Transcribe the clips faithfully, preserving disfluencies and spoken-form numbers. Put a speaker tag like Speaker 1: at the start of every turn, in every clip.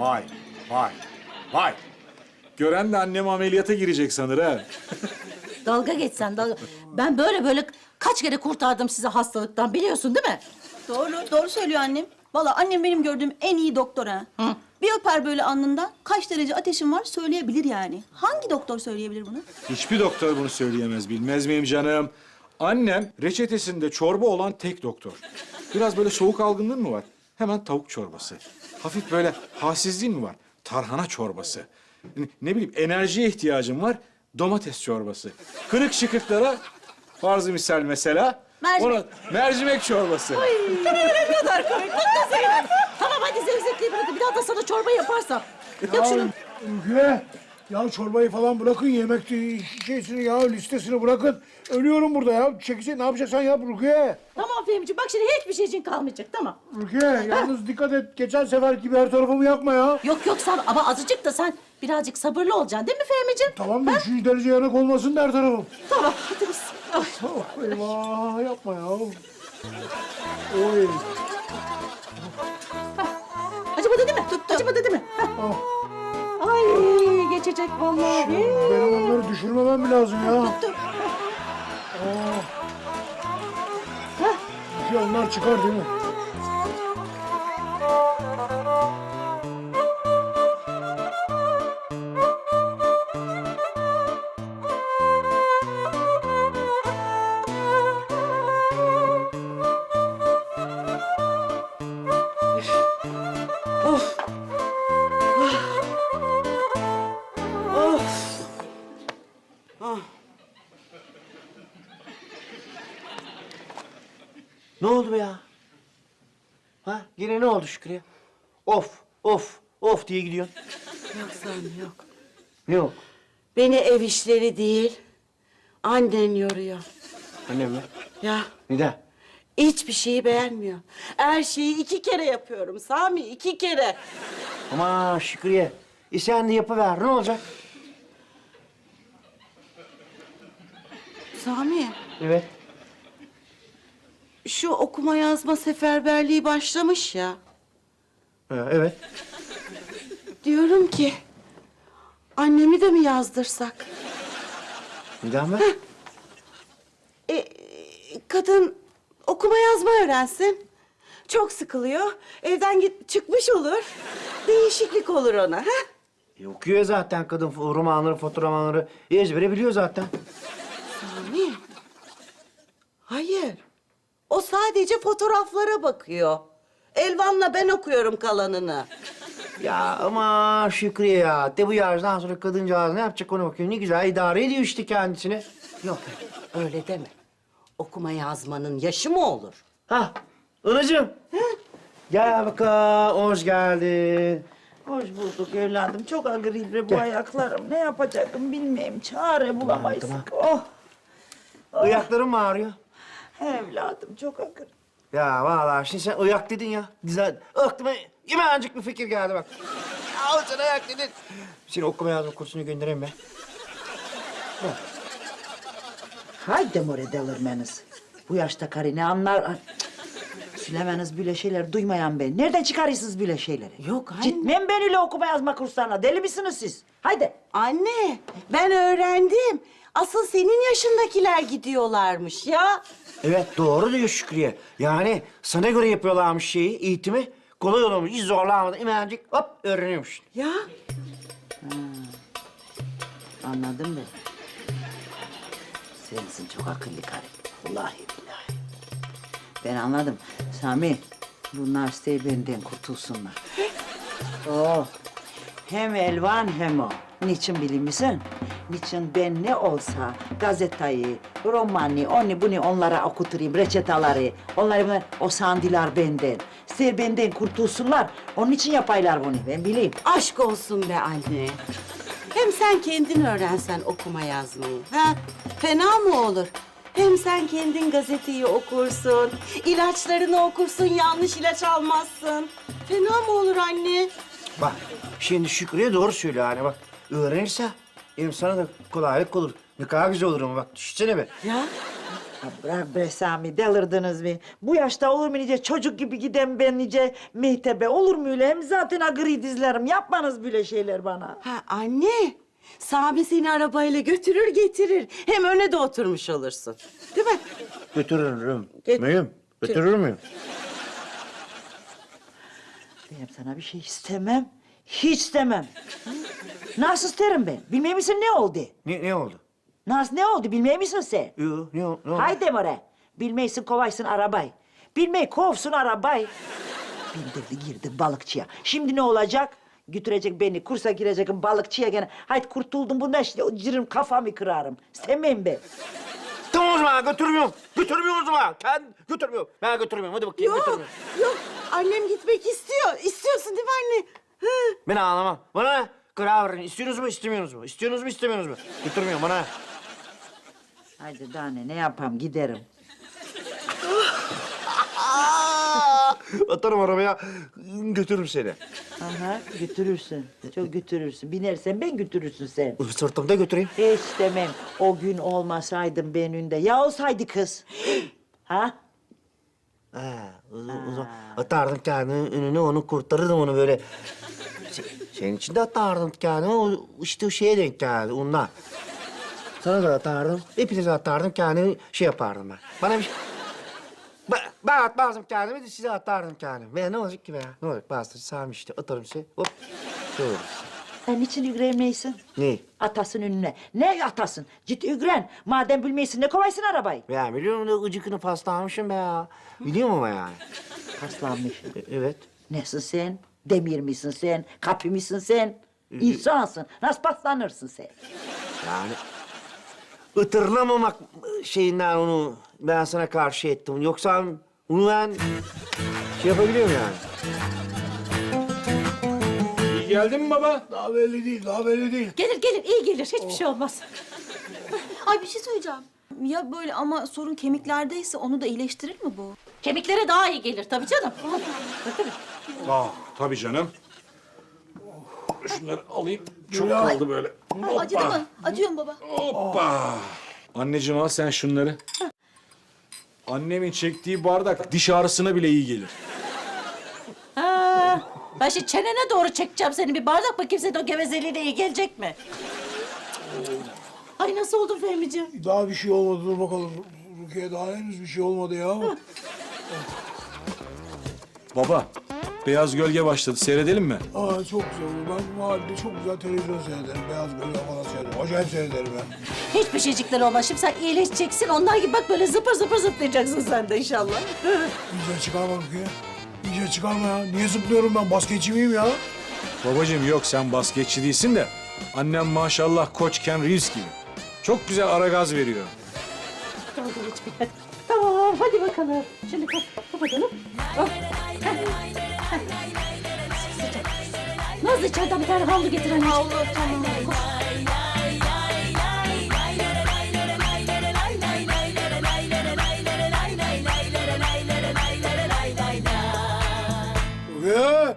Speaker 1: Vay, vay, vay. Gören de annem ameliyata girecek sanır ha.
Speaker 2: Dalga geçsen dalga. Ben böyle böyle kaç kere kurtardım sizi hastalıktan biliyorsun değil mi?
Speaker 3: Doğru, doğru söylüyor annem. Vallahi annem benim gördüğüm en iyi doktor ha.
Speaker 2: Hı.
Speaker 3: Bir öper böyle alnından kaç derece ateşin var söyleyebilir yani. Hangi doktor söyleyebilir bunu?
Speaker 1: Hiçbir doktor bunu söyleyemez, bilmez miyim canım? Annem reçetesinde çorba olan tek doktor. Biraz böyle soğuk algınlığın mı var? Hemen tavuk çorbası. Hafif böyle halsizliğin mi var? Tarhana çorbası. Ne, ne bileyim enerjiye ihtiyacın var? Domates çorbası. Kırık şıkırtlara farzı misal mesela.
Speaker 3: Mercimek.
Speaker 1: Ona, mercimek çorbası.
Speaker 2: Ne kadar komik. Mutlu Zeynep. Tamam hadi zevzekliği bırakın. Bir daha da sana çorba yaparsam. Yap şunu.
Speaker 4: Rukiye, ya çorbayı falan bırakın, yemek şeysini ya, listesini bırakın. Ölüyorum burada ya. Çekilse ne yapacaksan yap Rukiye.
Speaker 2: Tamam Fehmi'ciğim bak şimdi hiçbir şey için kalmayacak tamam.
Speaker 4: Rukiye, yalnız dikkat et. Geçen sefer gibi her tarafımı yakma ya.
Speaker 2: Yok yok sen ama azıcık da sen birazcık sabırlı olacaksın değil mi Fehmi'ciğim?
Speaker 4: Tamam mı? Üçüncü derece yanık olmasın da her tarafım.
Speaker 2: Tamam hadi biz. Ay.
Speaker 4: Oh, eyvah, yapma ya. Oy.
Speaker 2: Acımadı değil mi? Tuttu. Acımadı değil mi? Heh.
Speaker 4: Ah,
Speaker 2: Ay geçecek vallahi.
Speaker 4: benim onları düşürmemem mi lazım ya?
Speaker 2: Tuttu.
Speaker 4: Oh. Rukiye, onlar çıkar değil mi?
Speaker 5: Ne oldu be ya? Ha? Yine ne oldu Şükrü'ye? Of, of, of diye gidiyorsun.
Speaker 6: Yok Sami yok.
Speaker 5: Ne yok?
Speaker 6: Beni ev işleri değil, annen yoruyor.
Speaker 5: Annem mi?
Speaker 6: Ya
Speaker 5: Neden?
Speaker 6: hiçbir şeyi beğenmiyor. Her şeyi iki kere yapıyorum Sami, iki kere.
Speaker 5: Ama Şükrü'ye, e sen de yapıver, ne olacak?
Speaker 6: Sami,
Speaker 5: Evet.
Speaker 6: şu okuma yazma seferberliği başlamış ya.
Speaker 5: Ha, evet.
Speaker 6: Diyorum ki, annemi de mi yazdırsak?
Speaker 5: Neden be?
Speaker 6: E, kadın okuma yazma öğrensin. Çok sıkılıyor. Evden git, çıkmış olur. Değişiklik olur ona. Ha?
Speaker 5: E, okuyor ya zaten kadın romanları, fotoğrafları ezbere biliyor zaten.
Speaker 6: Sami. Hayır. O sadece fotoğraflara bakıyor. Elvan'la ben okuyorum kalanını.
Speaker 5: Ya ama Şükrü'ye ya, de bu yaştan sonra kadıncağız ne yapacak ona bakıyor. Ne güzel idare ediyor işte kendisini.
Speaker 6: Yok, öyle deme. Okuma yazmanın yaşı mı olur?
Speaker 5: Ha, anacığım. Gel bakalım, hoş geldin.
Speaker 7: Hoş bulduk evladım. Çok agribre bu ayaklarım. Ne yapacaktım bilmiyorum. Çare bulamayız.
Speaker 5: Tamam,
Speaker 7: Oh
Speaker 5: Ayakların mı ağrıyor?
Speaker 7: evladım çok agri.
Speaker 5: Ya vallahi şimdi sen ayak dedin ya. Güzel. Aklıma hemencik bir fikir geldi bak. Ya sen ayak dedin. Seni okuma yazma kursuna göndereyim ben.
Speaker 7: Haydi more delirmeniz. Bu yaşta karı ne anlar? Ay, cık. Söylemeniz böyle şeyler duymayan ben. Nereden çıkarıyorsunuz böyle şeyleri?
Speaker 6: Yok anne.
Speaker 7: Gitmem ben öyle okuma yazma kurslarına. Deli misiniz siz? Haydi.
Speaker 6: Anne, ben öğrendim. Asıl senin yaşındakiler gidiyorlarmış ya.
Speaker 5: Evet doğru diyor Şükrü'ye. Yani sana göre yapıyorlarmış şeyi, eğitimi. Kolay olmuş, hiç zorlanmadan hemencik hop öğreniyormuş.
Speaker 6: Ya
Speaker 7: Anladım ben. Sensin çok akıllı karı. Vallahi billahi. Ben anladım. Sami, bunlar isteği benden kurtulsunlar. Oh. Hem Elvan hem o. Niçin bilir misin? Niçin ben ne olsa gazeteyi, romanı, onu bunu onlara okuturayım, reçetaları. Onları bunlar, o sandiler benden. İster benden kurtulsunlar. Onun için yapaylar bunu, ben bileyim.
Speaker 6: aşk olsun be anne. Hem sen kendin öğrensen okuma yazmayı. Ha? Fena mı olur? Hem sen kendin gazeteyi okursun, ilaçlarını okursun, yanlış ilaç almazsın. Fena mı olur anne?
Speaker 5: Bak şimdi Şükrü'ye doğru söylüyor hani bak. Öğrenirse hem sana da kolaylık olur. Ne kadar güzel olur ama bak düşünsene be.
Speaker 6: Ya
Speaker 7: Ya bırak be Sami, delirdiniz mi? Bu yaşta olur mu nice çocuk gibi giden ben nice mehtebe? Olur mu öyle? Hem zaten agri dizlerim. Yapmanız böyle şeyler bana.
Speaker 6: Ha anne, Sami seni arabayla götürür getirir. Hem öne de oturmuş olursun. Değil mi?
Speaker 5: Götürürüm.
Speaker 6: Göt-
Speaker 5: Müyüm? Götürür müyüm?
Speaker 7: Benim sana bir şey istemem. Hiç istemem. Hı? Nasıl isterim ben? Bilmiyor musun ne oldu?
Speaker 5: Ne, ne oldu?
Speaker 7: Nasıl ne oldu? Bilmiyor musun sen?
Speaker 5: Yo, ne, o- ne oldu?
Speaker 7: Haydi oraya. Bilmeysin kovaysın arabayı. Bilmeyi kovsun arabayı. Bindirdi girdi balıkçıya. Şimdi ne olacak? Götürecek beni, kursa gireceğim balıkçıya gene. Haydi kurtuldum bundan işte, o cırım kafamı kırarım. İstemeyim ben.
Speaker 5: Tamam o zaman götürmüyorum. Götürmüyorum o zaman. Kendi götürmüyorum. Ben götürmüyorum. Hadi bakayım
Speaker 6: Yok,
Speaker 5: götürmüyorum.
Speaker 6: yok. Annem gitmek istiyor. İstiyorsun değil mi anne? Hı.
Speaker 5: Ben ağlamam. Bana ne? Karar verin. İstiyorsunuz mu, istemiyorsunuz mu? İstiyorsunuz mu, istemiyorsunuz mu? Götürmüyorum bana. ne?
Speaker 7: Haydi daha ne, ne yapayım giderim.
Speaker 5: Atarım arabaya, götürürüm seni.
Speaker 7: Aha götürürsün. Çok götürürsün. Binersen ben götürürsün sen.
Speaker 5: Sırtımda götüreyim.
Speaker 7: Hiç demem. O gün olmasaydım ben önünde. Ya olsaydı kız. Ha?
Speaker 5: Ha, o, o zaman atardım kendimi önüne, onu kurtarırdım onu böyle. Se- Senin için de atardım kendimi, o işte o şeye denk geldi ondan. Sana da atardım, hepinize atardım kendimi, şey yapardım ben. Bana bir şey... Ben, ben atmazdım kendimi de size atardım kendimi. Ben ne olacak ki be ya? Ne olacak? Bastır, Sami işte atarım size, hop. Şey olur.
Speaker 7: Sen niçin ügreyemeysin?
Speaker 5: Ne?
Speaker 7: Atasın önüne. Ne atasın? Git ügren. Madem bilmeysin ne kovaysın arabayı?
Speaker 5: Ya biliyorum da gıcıkını paslamışım be ya. Biliyorum ama yani.
Speaker 7: Paslanmış.
Speaker 5: E- evet.
Speaker 7: Nesin sen? Demir misin sen? Kapı mısın sen? İnsansın. Nasıl paslanırsın sen?
Speaker 5: Yani ıtırlamamak şeyinden onu ben sana karşı ettim. Yoksa onu ben şey yapabiliyorum yani.
Speaker 1: İyi geldin mi baba?
Speaker 4: Daha belli değil, daha belli değil.
Speaker 2: Gelir gelir iyi gelir hiçbir şey olmaz.
Speaker 3: Ay bir şey söyleyeceğim. Ya böyle ama sorun kemiklerdeyse onu da iyileştirir mi bu?
Speaker 2: Kemiklere daha iyi gelir tabii canım.
Speaker 1: Aa, tabii canım. Şunları alayım. Çok
Speaker 4: Ya.
Speaker 1: kaldı böyle.
Speaker 3: Aa, acıdı mı? Acıyor mu baba?
Speaker 1: Hoppa. Anneciğim al sen şunları. Annemin çektiği bardak diş ağrısına bile iyi gelir.
Speaker 2: Ha, ben şimdi çenene doğru çekeceğim seni bir bardak bakayım senin o gevezeliğine iyi gelecek mi? Ay nasıl oldun Fehmi'ciğim?
Speaker 4: Daha bir şey olmadı, dur bakalım. Rukiye daha henüz bir şey olmadı ya.
Speaker 1: Baba, Beyaz Gölge başladı. Seyredelim mi?
Speaker 4: Aa, çok güzel olur. Ben bu halde çok güzel televizyon seyrederim. Beyaz Gölge falan seyrederim. Acayip seyrederim ben.
Speaker 2: Hiçbir şeycikler olmaz. Şimdi sen iyileşeceksin. Onlar gibi bak böyle zıpır zıpır zıplayacaksın sen de inşallah.
Speaker 4: İyice çıkarma Rukiye. İyice çıkarma ya. Niye zıplıyorum ben? Basketçi miyim ya?
Speaker 1: Babacığım yok sen basketçi değilsin de annem maşallah Koç Ken Reeves gibi. Çok güzel ara gaz veriyor.
Speaker 2: Dalga geçme hadi. Tamam hadi bakalım. Şimdi kalk kapatalım. Oh. Nazlı içeriden bir tane havlu getir anneciğim. Havlu tamam.
Speaker 4: Rukiye!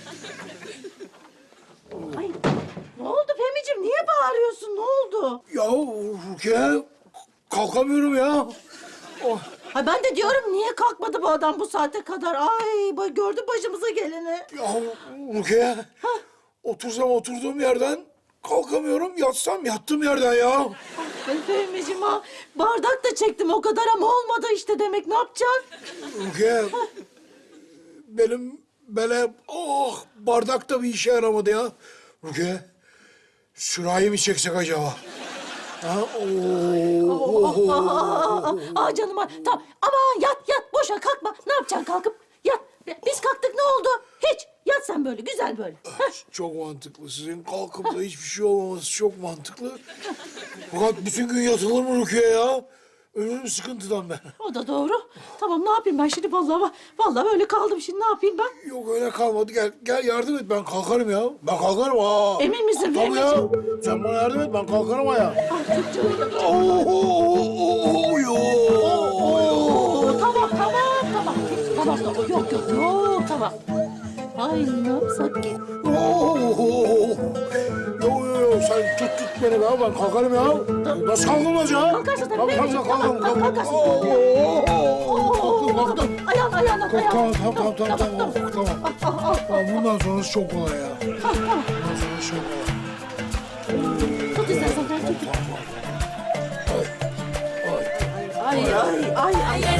Speaker 2: Ay, ne oldu Fehmi'ciğim? Niye bağırıyorsun? Ne oldu?
Speaker 4: Ya Rukiye! Kalkamıyorum ya. Oh.
Speaker 2: Ay ben de diyorum niye kalkmadı bu adam bu saate kadar? Ay bak gördün başımıza geleni.
Speaker 4: Ya Rukiye! Otursam oturduğum yerden kalkamıyorum. Yatsam yattığım yerden ya.
Speaker 2: Ben Fehmi'ciğim ha bardak da çektim o kadar ama olmadı işte demek ne yapacaksın?
Speaker 4: Rukiye! Benim böyle oh bardak da bir işe yaramadı ya. Rukiye! Sürahi mi çeksek acaba? Ha? Oo.
Speaker 2: Aa, aa canım ay. Tamam aman yat yat boşa kalkma. Ne yapacaksın kalkıp yat. Biz kalktık ne oldu? Hiç yat sen böyle güzel böyle. Heh.
Speaker 4: Çok mantıklı. Sizin kalkıp da hiçbir şey olmaması çok mantıklı. Fakat bütün gün yatılır mı Rukiye ya? Ölürüm sıkıntıdan ben.
Speaker 2: O da doğru. Tamam ne yapayım ben şimdi vallahi vallahi böyle kaldım şimdi ne yapayım ben?
Speaker 4: Yok öyle kalmadı. Gel gel yardım et. Ben kalkarım ya. Ben kalkarım ha.
Speaker 2: Emin misin
Speaker 4: Tabii ya. Sen bana yardım et. Ben kalkarım ha ya.
Speaker 2: Ay çok canım.
Speaker 4: Oo, oo, oo, yo.
Speaker 2: Oo, tamam tamam tamam. Tamam tamam yok yok yok tamam. Ay ne yapsak ki?
Speaker 4: Yo yo yo sen tut tut beni be ben kalkarım ya. Nasıl kalkılmaz ya?
Speaker 2: Kalkarsın tabii.
Speaker 4: Kalk, kalk, kalk, kalk, kalk.
Speaker 2: Kalkarsın.
Speaker 4: Oo, oo, oo. Kalktım kalktım.
Speaker 2: Ayağına ayağına
Speaker 4: Kalk,
Speaker 2: ayağına.
Speaker 4: Tamam tamam tamam tamam tamam. Tamam. Tamam bundan sonrası çok kolay ya. Bundan sonrası çok kolay.
Speaker 2: Tut istersen ben tut.
Speaker 4: Ay, ay.
Speaker 2: Ay ay ay ay.